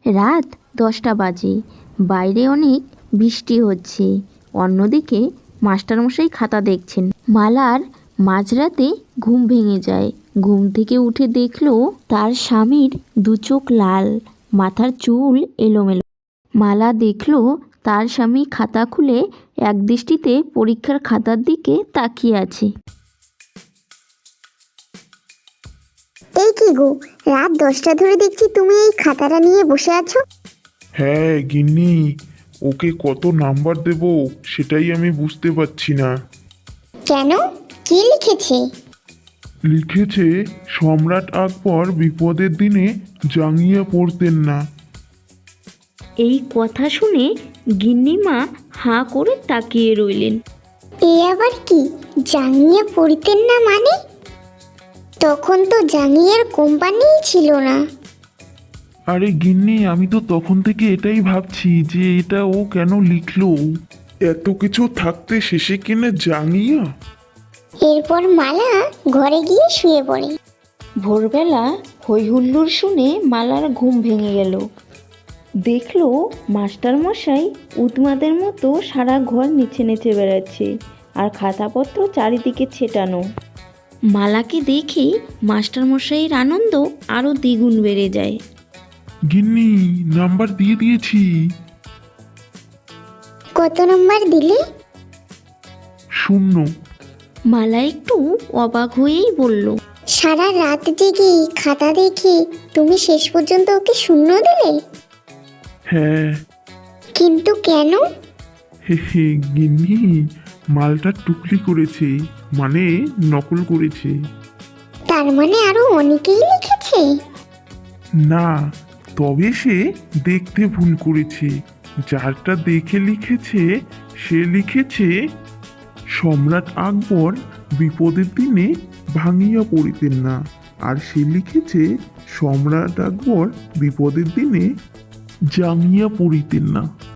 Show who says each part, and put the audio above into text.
Speaker 1: রাত 10টা বাজে। বাইরে অনেক বৃষ্টি হচ্ছে। অন্যদিকে মাস্টারমশাই খাতা দেখছেন। মালার মাঝরাতে ঘুম ভেঙে যায়। ঘুম থেকে উঠে দেখল তার স্বামীর দু চোখ লাল, মাথার চুল এলোমেলো। মালা দেখল তার স্বামী খাতা খুলে একদৃষ্টিতে পরীক্ষার খাতার দিকে তাকিয়ে আছে।
Speaker 2: এই কি গো, রাত 10টা ধরে দেখছি তুমি এই খাতাটা নিয়ে বসে আছো।
Speaker 3: হ্যাঁ গিন্নি, ওকে কত নাম্বার দেব সেটাই আমি বুঝতে পারছি না।
Speaker 2: কেন, কি লিখেছে?
Speaker 3: লিখেছে সম্রাট আকবর বিপদের দিনে জাঙ্গিয়া পরতেন না।
Speaker 1: এই কথা শুনে গিন্নিমা হাঁ করে তাকিয়ে রইলেন।
Speaker 2: এ আবার কি, জাঙ্গিয়া পরিতেন না মানে? তখন তো জাঙ্গিয়ার কোম্পানিই ছিল না।
Speaker 3: আরে গিন্নি, আমি তো তখন থেকে এটাই ভাবছি যে এটা ও কেন লিখলো। এত কিছু থাকতে শেষে কিনা জাঙ্গিয়া।
Speaker 2: এরপর মালা ঘরে গিয়ে শুয়ে পড়ে।
Speaker 1: ভোরবেলা হইহুল্লোড় শুনে মালার ঘুম ভেঙে গেল। দেখলো মাস্টারমশাই উন্মাদের মতো সারা ঘর নেচে নেচে বেড়াচ্ছে, আর খাতাপত্র চারিদিকে ছেটানো। মালাকে দেখে মাস্টারমশাইয়ের আনন্দ আরও দ্বিগুণ বেড়ে যায়।
Speaker 3: গিন্নি, নাম্বার দিয়ে দিয়েছি।
Speaker 2: কত নম্বর দিলে?
Speaker 3: 0।
Speaker 1: মালা একটু অবাক হয়েই বলল,
Speaker 2: সারা রাত জেগে খাতা দেখে তুমি শেষ পর্যন্ত ওকে 0 দিলে?
Speaker 3: হ্যাঁ।
Speaker 2: কিন্তু কেন?
Speaker 3: হে হে গিন্নি, মালটা টুকলি করেছে, মানে নকল করেছে।
Speaker 2: তার মানে আরো অনেকেই লিখেছে।
Speaker 3: না, তবে সে দেখতে ভুল করেছে। যারটা দেখে লিখেছে সে লিখেছে সম্রাট আকবর বিপদের দিনে ভাঙিয়া পড়িতেন না, আর সে লিখেছে সম্রাট আকবর বিপদের দিনে জাঙ্গিয়া পড়িতেন না।